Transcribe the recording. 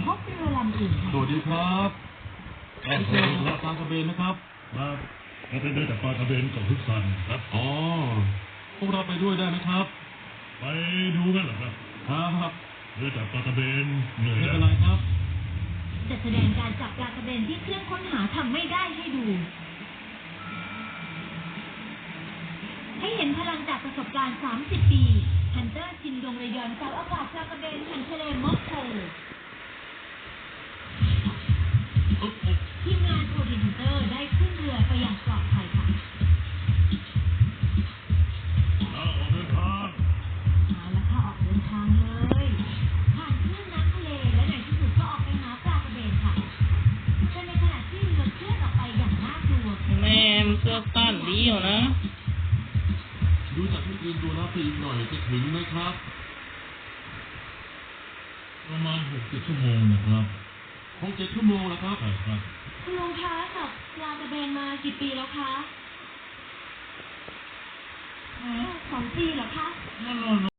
พบเรือลำอื่นค่ะสวัสดีครับผมเจอปลากระเบนนะครับครับเราไปเดินจากปลากระเบนกับทุกสันครับอ๋อพวกเราไปด้วยได้ไหมครับไปดูกันเหรอครับครับเดินจากปลากระเบนเหนื่อยไม่แล้เป็วนไรครับจะแสดงการจับปลากระเบนที่เครื่องค้นหาทำไม่ได้ให้ดู ให้เห็นพลังจากประสบการณ์ 30 ปีฮันเตอร์ชินดงระยอนเสาอากาศปลากระเบนแห่งทะเลมอกโกทีมงานโคดิฮันเตอร์ได้ขึ้นเรือไปอย่างปลอดภัยค่ะออกเดินทางมาแล้วค่ะออกเดินทางเลยผ่านคลื่นน้ำทะเลและในที่สุดก็ออกไปหาปลากระเบนค่ะแต่ในขณะที่เรือเคลื่อนออกไปอย่างน่ากลัวแม่มันเสื้อสั้นดีอยู่นะดูจากที่อื่นดูแล้วไปอีกหน่อยจะถึงไหมครับประมาณ6-7 ชั่วโมงนะครับ 6-7 ชั่วโมงแล้วครับใช่ครับคุณลุงคะจับปลากระเบนมากี่ปีแล้วคะ2 ปีเหรอคะ